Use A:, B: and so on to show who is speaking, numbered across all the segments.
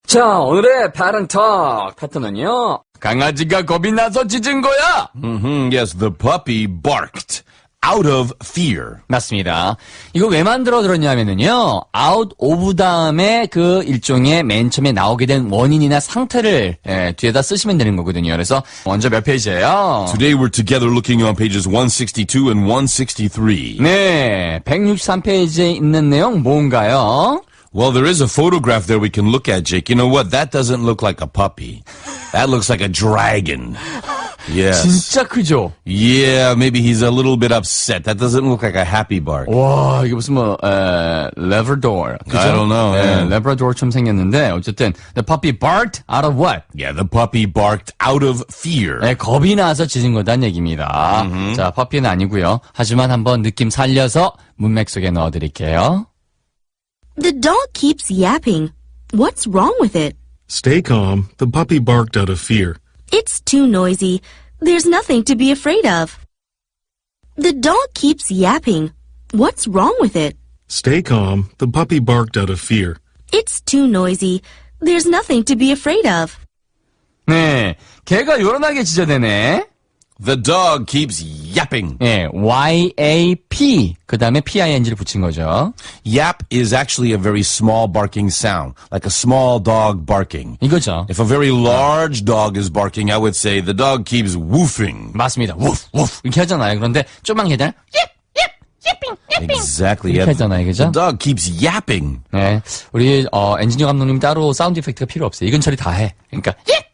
A: 자, 오늘의 Parent Talk 파트너는요. 강아지가 겁이 나서 짖은 거야.
B: Yes, the puppy barked out of fear.
A: 맞습니다. 이거 왜 만들어 들었냐면요. out of 다음에 그 일종의 맨 처음에 나오게 된 원인이나 상태를 뒤에다 쓰시면 되는 거거든요. 그래서 먼저 몇 페이지예요?
B: Today we're together looking on pages 162 and 163.
A: 네, 163페이지에 있는 내용 뭔가요?
B: Well, there is a photograph there we can look at, Jake. You know what? That doesn't look like a puppy. That looks like a dragon. Yes.
A: 진짜 크죠?
B: Yeah, maybe he's a little bit upset. That doesn't look like a happy bark.
A: 와, 이게 무슨 Labrador. 그죠?
B: I don't know.
A: 네, Labrador처럼 생겼는데 어쨌든 the puppy barked out of what?
B: Yeah, the puppy barked out of fear.
A: 네, 겁이 나서 짖은 거란 얘기입니다. 자, 퍼피는 아니고요. 하지만 한번 느낌 살려서 문맥 속에 넣어드릴게요.
C: The dog keeps yapping. What's wrong with it?
D: Stay calm. The puppy barked out of fear.
C: It's too noisy. There's nothing to be afraid of. The dog keeps yapping. What's wrong with it?
D: Stay calm. The puppy barked out of fear.
C: It's too noisy. There's nothing to be afraid of.
A: 네, 개가 요란하게 짖어대네.
B: The dog keeps yapping.
A: 네, Y-A-P. 그 다음에 P-I-N-G를 붙인 거죠.
B: Yap is actually a very small barking sound, like a small dog barking.
A: 이거죠.
B: If a very large dog is barking, I would say the dog keeps woofing.
A: 맞습니다. 우프, 우프. 이렇게 하잖아요. 그런데 좀만 개들
B: Exactly.
A: 이렇게 하잖아요. 그죠?
B: The dog keeps yapping.
A: 네, 우리 엔지니어 감독님 따로 사운드 이펙트가 필요 없어요. 이건 처리 다 해. 그러니까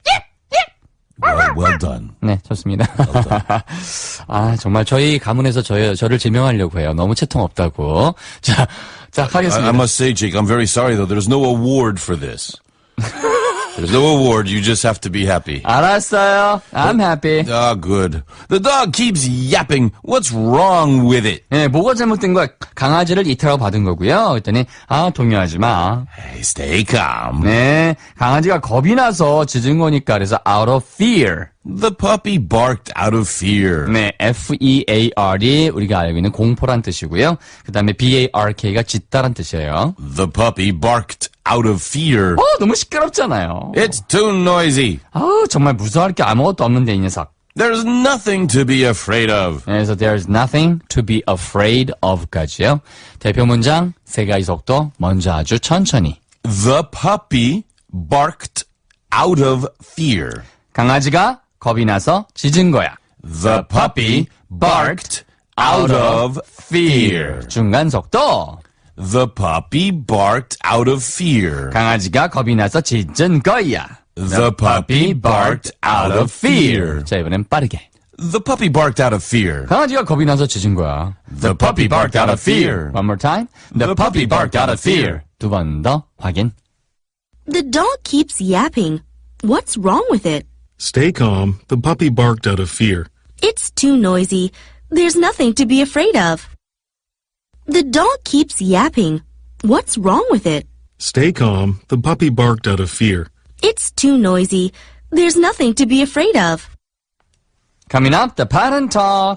B: Well done.
A: 네, 좋습니다. 아, 정말 저희 가문에서 저를 제명하려고 해요. 너무 채통 없다고. 자, 하겠습니다.
B: I must say, Jake, I'm very sorry though. There's no award for this. There's no award. You just have to be happy.
A: 알았어요. I'm happy.
B: Ah, good. The dog keeps yapping. What's wrong with it?
A: 네, 뭐가 잘못된 거야? 강아지를 이탈하고 받은 거고요. 그랬더니 동요하지 마.
B: Hey, stay calm.
A: 네, 강아지가 겁이 나서 짖은 거니까 그래서 out of fear.
B: The puppy barked out of fear.
A: 네, F-E-A-R이 우리가 알고 있는 공포란 뜻이고요. 그 다음에 B-A-R-K가 짖다란 뜻이에요.
B: The puppy barked out of fear.
A: 너무 시끄럽잖아요.
B: It's too noisy.
A: 정말 무서워할 게 아무것도 없는데 이 녀석.
B: There's nothing to be afraid of.
A: 그래서 there's nothing to be afraid of까지요. 대표 문장 세 가지 속도 먼저 아주 천천히.
B: The puppy barked out of fear.
A: 강아지가 겁이 나서 짖은 거야.
B: The puppy barked out of fear.
A: 중간 속도.
B: The puppy barked out of fear.
A: 강아지가 겁이 나서 짖은 거야.
B: The puppy barked out of fear.
A: 자, 이번엔 빠르게.
B: The puppy barked out of fear.
A: 강아지가 겁이 나서 짖은 거야.
B: The puppy barked out of fear.
A: One more time. The puppy barked out of fear. 두 번 더 확인.
C: The dog keeps yapping. What's wrong with it?
D: Stay calm. The puppy barked out of fear.
C: It's too noisy. There's nothing to be afraid of. The dog keeps yapping. What's wrong with it?
D: Stay calm. The puppy barked out of fear.
C: It's too noisy. There's nothing to be afraid of.
A: Coming up, the Parent Talk.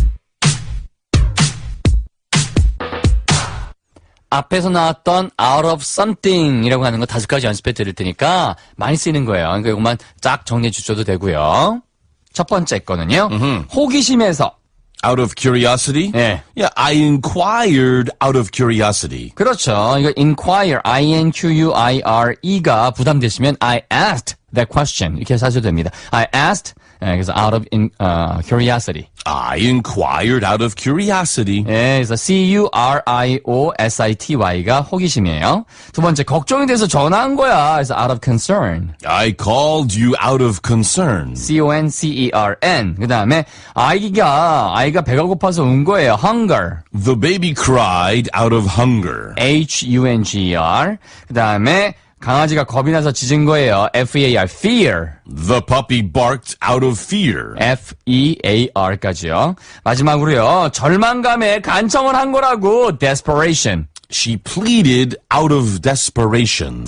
A: 앞에서 나왔던 out of something이라고 하는 거 5가지 연습해 드릴 테니까 많이 쓰이는 거예요. 그러니까 이것만 쫙 정리해 주셔도 되고요. 첫 번째 거는요. 호기심에서.
B: Out of curiosity?
A: 네.
B: Yeah, I inquired out of curiosity.
A: 그렇죠. 이거 inquire, I-N-Q-U-I-R-E가 부담되시면 I asked that question 이렇게 하셔도 됩니다. I asked, 그래서 out of curiosity.
B: I inquired out of curiosity.
A: 예, 그래서 C-U-R-I-O-S-I-T-Y가 호기심이에요. 두 번째, 걱정이 돼서 전화한 거야. 그래서 out of concern.
B: I called you out of concern.
A: C-O-N-C-E-R-N. 그 다음에, 아이가 배가 고파서 운 거예요. hunger.
B: The baby cried out of hunger.
A: H-U-N-G-E-R. 그 다음에, 강아지가 겁이 나서 짖은 거예요. F-E-A-R, fear.
B: The puppy barked out of fear.
A: F-E-A-R까지요. 마지막으로요. 절망감에 간청을 한 거라고. desperation.
B: She pleaded out of desperation.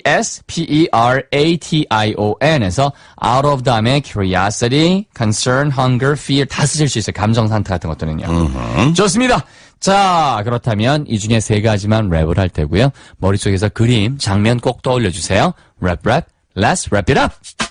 A: D-E-S-P-E-R-A-T-I-O-N에서 out of 다음에 curiosity, concern, hunger, fear 다 쓰실 수 있어요. 감정 상태 같은 것들은요. 좋습니다. 자, 그렇다면 이 중에 세 가지만 랩을 할 테고요. 머릿속에서 그림, 장면 꼭 떠올려주세요. 랩, let's wrap it up!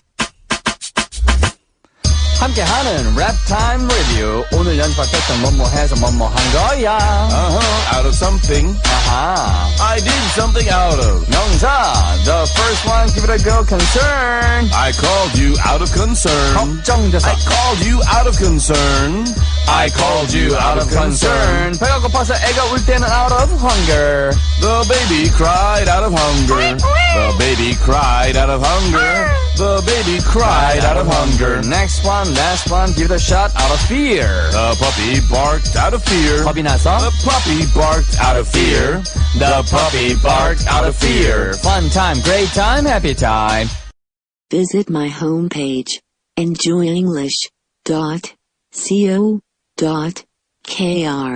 A: 함께하는 랩타임 리뷰. 오늘 연습했던 뭐뭐 해서 뭐뭐 한 거야.
B: Out of something.
A: 아하.
B: I did something out of.
A: 명사. The first one, give it a go, concern.
B: I called you out of concern.
A: 걱정돼서.
B: I called you out of concern.
A: I called you out of concern. 배가 고파서 애가 울 때는 out of hunger.
B: The baby cried out of hunger. The baby cried out of hunger. The baby cried out of hunger.
A: Next one, last one, give it a shot out of fear.
B: The puppy barked out of fear.
A: 겁이 나서.
B: The puppy barked out of fear. The puppy barked out of fear.
A: Fun time, great time, happy time.
E: Visit my homepage, enjoyenglish.co.kr.